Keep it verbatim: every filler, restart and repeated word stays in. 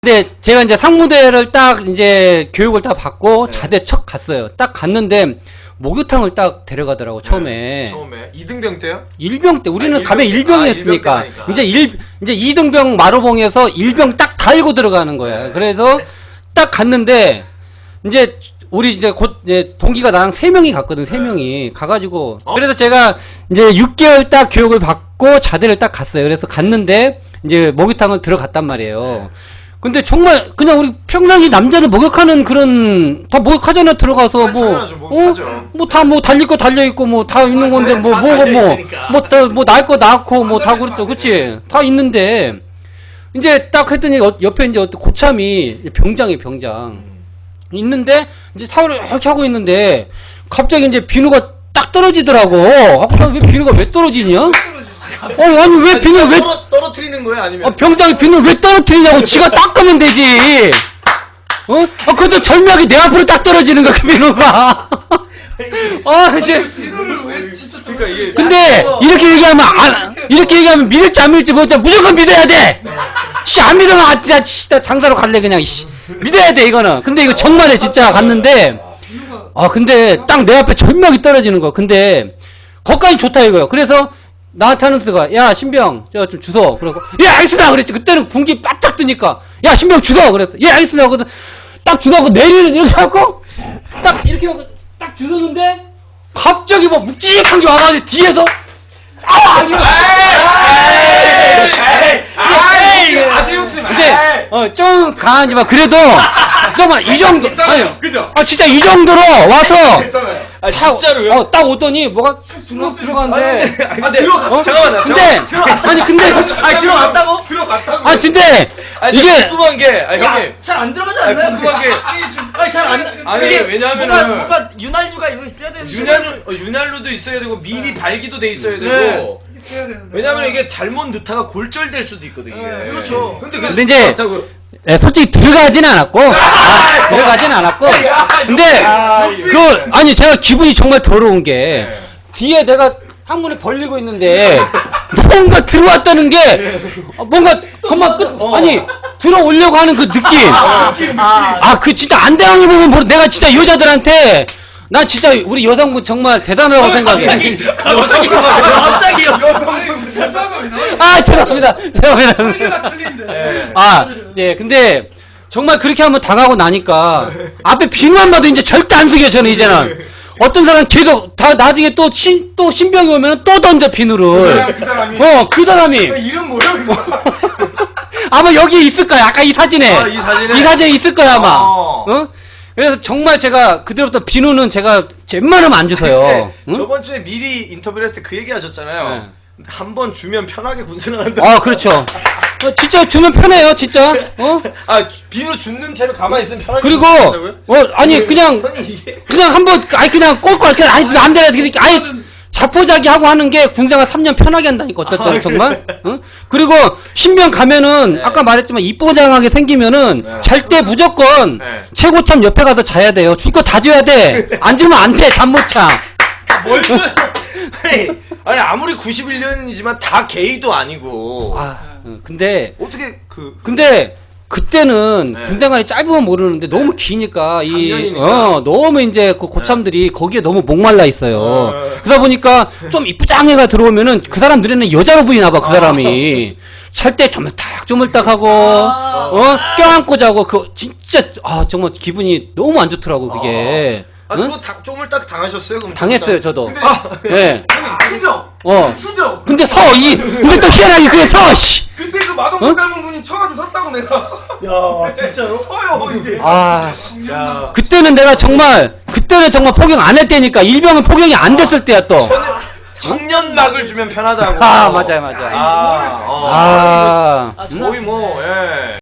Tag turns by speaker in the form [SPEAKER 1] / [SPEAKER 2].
[SPEAKER 1] 근데 제가 이제 상무대를 딱 이제 교육을 딱 받고
[SPEAKER 2] 네.
[SPEAKER 1] 자대 척 갔어요. 딱 갔는데 목욕탕을 딱 데려가더라고 처음에.
[SPEAKER 2] 네, 처음에 이등병 때요?
[SPEAKER 1] 일병 때 우리는
[SPEAKER 2] 아,
[SPEAKER 1] 가면
[SPEAKER 2] 일병 때. 아,
[SPEAKER 1] 일병이었으니까
[SPEAKER 2] 일병 때
[SPEAKER 1] 이제 일 이제 이등병 마루봉에서 일병 딱 달고 들어가는 거야.
[SPEAKER 2] 네.
[SPEAKER 1] 그래서 딱 갔는데 이제 우리 이제 곧 이제 동기가 나랑 세 명이 갔거든. 세
[SPEAKER 2] 네.
[SPEAKER 1] 명이 가가지고
[SPEAKER 2] 어?
[SPEAKER 1] 그래서 제가 이제 육 개월 딱 교육을 받고 자대를 딱 갔어요. 그래서 갔는데 이제 목욕탕을 들어갔단 말이에요.
[SPEAKER 2] 네.
[SPEAKER 1] 근데 정말 그냥 우리 평상시 남자들 목욕하는 그런 다 목욕하잖아 들어가서
[SPEAKER 2] 아,
[SPEAKER 1] 뭐
[SPEAKER 2] 당연하죠. 목욕하죠.
[SPEAKER 1] 뭐 다 뭐 달릴 거 달려 있고 뭐 다 있는 건데 뭐
[SPEAKER 2] 다
[SPEAKER 1] 뭐가
[SPEAKER 2] 달려 있으니까.
[SPEAKER 1] 뭐뭐뭐날 거 낳고 뭐 다
[SPEAKER 2] 달려있으면
[SPEAKER 1] 그렇죠
[SPEAKER 2] 안
[SPEAKER 1] 그치 다 있는데 이제 딱 했더니 어- 옆에 이제 어떤 고참이 병장이 병장 있는데 이제 사우를 이렇게 하고 있는데 갑자기 이제 비누가 딱 떨어지더라고. 아, 왜 비누가 왜 떨어지냐? 어 아니 왜 비누 왜
[SPEAKER 2] 떨어, 떨어뜨리는 거예요? 아니면?
[SPEAKER 1] 어, 병장이 비누를 왜 떨어뜨리냐고 지가 닦으면 되지. 어? 어, 그것도 절묘하게 내 앞으로 딱 떨어지는 거야, 그 비누가. 아, 이제.
[SPEAKER 2] 비누를 왜 진짜 그러니까 이게
[SPEAKER 1] 근데, 이렇게 얘기하면, 안, 이렇게 얘기하면 믿을지 안 믿을지 모르겠 무조건 믿어야 돼! 씨, 안 믿으면, 아, 진짜, 씨, 나 장사로 갈래, 그냥, 씨. 믿어야 돼, 이거는. 근데 이거 정말에 진짜 갔는데, 아, 근데 딱 내 앞에 절묘하게 떨어지는 거야. 근데, 거기까지 좋다, 이거야. 그래서, 나한테 하는 수가, 야, 신병, 저 좀 주소. 그러고, 예, 알겠습니다. 그랬지. 그때는 군기 바짝 뜨니까, 야, 신병 주소. 그랬어. 예, 알겠습니다. 그래서 딱 주소하고 내리는, 이렇게 하고, 딱 이렇게 하고, 딱 주소는데, 갑자기 뭐 묵직한 게 와가지고 뒤에서, 아! 이거.
[SPEAKER 2] 아주 욕심.
[SPEAKER 1] 근데, 어, 좀 강하지만, 그래도, 정말 이 정도, 아니,
[SPEAKER 2] 그죠?
[SPEAKER 1] 아, 진짜 이 정도로 와서,
[SPEAKER 2] 괜찮아요. 아
[SPEAKER 1] 타-
[SPEAKER 2] 진짜로요?
[SPEAKER 1] 어, 딱 오더니 뭐가 쑥 들어가는데,
[SPEAKER 2] 아 들어가.
[SPEAKER 1] 어?
[SPEAKER 2] 잠깐만요.
[SPEAKER 1] 근데, 아니, 근데,
[SPEAKER 2] 아 들어갔다고? 들어갔다고?
[SPEAKER 1] 아, 근데,
[SPEAKER 2] 아니,
[SPEAKER 1] 이게,
[SPEAKER 2] 궁금한 게, 아 형님.
[SPEAKER 3] 잘 안 들어가지
[SPEAKER 2] 아니,
[SPEAKER 3] 않나요?
[SPEAKER 2] 궁금한 게,
[SPEAKER 3] 아니 잘안
[SPEAKER 2] 아니
[SPEAKER 3] 이게
[SPEAKER 2] 왜냐하면은
[SPEAKER 3] 뭔가, 뭔가 윤활유가 이거 있어야 되는데
[SPEAKER 2] 윤활유, 어, 윤활유도 있어야 되고 미리 발기도 돼 있어야 되고.
[SPEAKER 3] 네.
[SPEAKER 2] 왜냐면 이게 잘못 넣다가 골절될 수도 있거든 이게.
[SPEAKER 3] 네, 그렇죠.
[SPEAKER 2] 근데 그
[SPEAKER 1] 근데 이제
[SPEAKER 2] 그렇다고.
[SPEAKER 1] 예, 솔직히 들어가진 않았고, 아, 들어가진 않았고, 근데,
[SPEAKER 2] 아,
[SPEAKER 1] 그, 아니, 제가 기분이 정말 더러운 게,
[SPEAKER 2] 네.
[SPEAKER 1] 뒤에 내가 항문에 벌리고 있는데, 뭔가 들어왔다는 게, 어, 뭔가, 그만 끝, 아니, 들어오려고 하는 그 느낌. 아, 그 진짜 안 당해보면 모르, 내가 진짜 여자들한테, 난 진짜 우리 여성분 정말 대단하다고 생각해.
[SPEAKER 2] 여성이
[SPEAKER 3] 갑자기
[SPEAKER 1] 아, 죄송합니다. 죄송합니다.
[SPEAKER 2] 네.
[SPEAKER 1] 아, 예, 근데, 정말 그렇게 한번 당하고 나니까, 앞에 비누만 봐도 이제 절대 안 숙여요, 저는 이제는. 어떤 사람 계속, 다, 나중에 또 신, 또 신병이 오면 또 던져, 비누를.
[SPEAKER 2] 그 사람이.
[SPEAKER 1] 어, 그 사람이.
[SPEAKER 2] 이름 뭐야 그거?
[SPEAKER 1] 아마 여기에 있을 거야, 아까 이 사진에.
[SPEAKER 2] 아, 이 사진에?
[SPEAKER 1] 이 사진에 있을 거야, 아마.
[SPEAKER 2] 어.
[SPEAKER 1] 어? 그래서 정말 제가, 그때부터 비누는 제가 웬만하면 안 주세요.
[SPEAKER 2] 근데
[SPEAKER 1] 응?
[SPEAKER 2] 저번 주에 미리 인터뷰를 했을 때 그 얘기 하셨잖아요.
[SPEAKER 1] 네.
[SPEAKER 2] 한 번 주면 편하게 군생활한다.
[SPEAKER 1] 아, 그렇죠. 어, 진짜 주면 편해요, 진짜. 어?
[SPEAKER 2] 아 비누 줍는 채로 가만히 있으면 편하게
[SPEAKER 1] 그리고,
[SPEAKER 2] 군생활한다고요?
[SPEAKER 1] 어, 아니, 그냥,
[SPEAKER 2] 아니 이게
[SPEAKER 1] 그냥 한번 아니 그냥 꼴꼴 그냥 아니 안 되나 이렇게 아예 자포자기 하고 하는 게 군생활 삼 년 편하게 한다니까 어떨 때는
[SPEAKER 2] 아,
[SPEAKER 1] 정말 어? 그리고 신병 가면은
[SPEAKER 2] 네.
[SPEAKER 1] 아까 말했지만 이쁘장하게 생기면은
[SPEAKER 2] 네.
[SPEAKER 1] 잘 때 무조건
[SPEAKER 2] 네.
[SPEAKER 1] 최고참 옆에 가서 자야 돼요. 줄 거 다 줘야 돼. 안 주면 안 돼. 잠 못 자.
[SPEAKER 2] 뭘 줘? 아니, 아니 아무리 구십일 년이지만 다 게이도 아니고
[SPEAKER 1] 아 어, 근데
[SPEAKER 2] 어떻게 그
[SPEAKER 1] 근데 그때는
[SPEAKER 2] 네.
[SPEAKER 1] 군생활이 짧으면 모르는데 너무 기니까 이
[SPEAKER 2] 작년이니까.
[SPEAKER 1] 어, 너무 이제 그 고참들이 거기에 너무 목말라 있어요.
[SPEAKER 2] 어.
[SPEAKER 1] 그러다 보니까 좀 이쁘장애가 들어오면은 그 사람 눈에는 여자로 보이나 봐, 그 사람이. 잘 때 조물딱 조물딱 하고 어 껴안고 자고 그 진짜 아 정말 기분이 너무 안 좋더라고 그게.
[SPEAKER 2] 아
[SPEAKER 1] 응?
[SPEAKER 2] 그거 다, 쪼물딱 당하셨어요? 그럼
[SPEAKER 1] 당했어요 저도.
[SPEAKER 2] 근데
[SPEAKER 1] 아, 예.
[SPEAKER 4] 그죠?
[SPEAKER 1] 어.
[SPEAKER 4] 그죠?
[SPEAKER 1] 근데 서 이 근데 또 희한하게 그게 서 씨.
[SPEAKER 4] 근데 그 마동석
[SPEAKER 1] 어?
[SPEAKER 4] 닮은 분이 쳐가지고 섰다고 내가.
[SPEAKER 2] 야 진짜요?
[SPEAKER 4] 서요 이게.
[SPEAKER 1] 아.
[SPEAKER 2] 야
[SPEAKER 1] 그때는 내가 정말 그때는 정말 포경 안 할 때니까 일병은 포경이 안 됐을 때야 또.
[SPEAKER 2] 청년막을 주면 편하다고.
[SPEAKER 1] 아 맞아요 맞아요.
[SPEAKER 2] 아, 어.
[SPEAKER 1] 아.
[SPEAKER 2] 거의 뭐 예.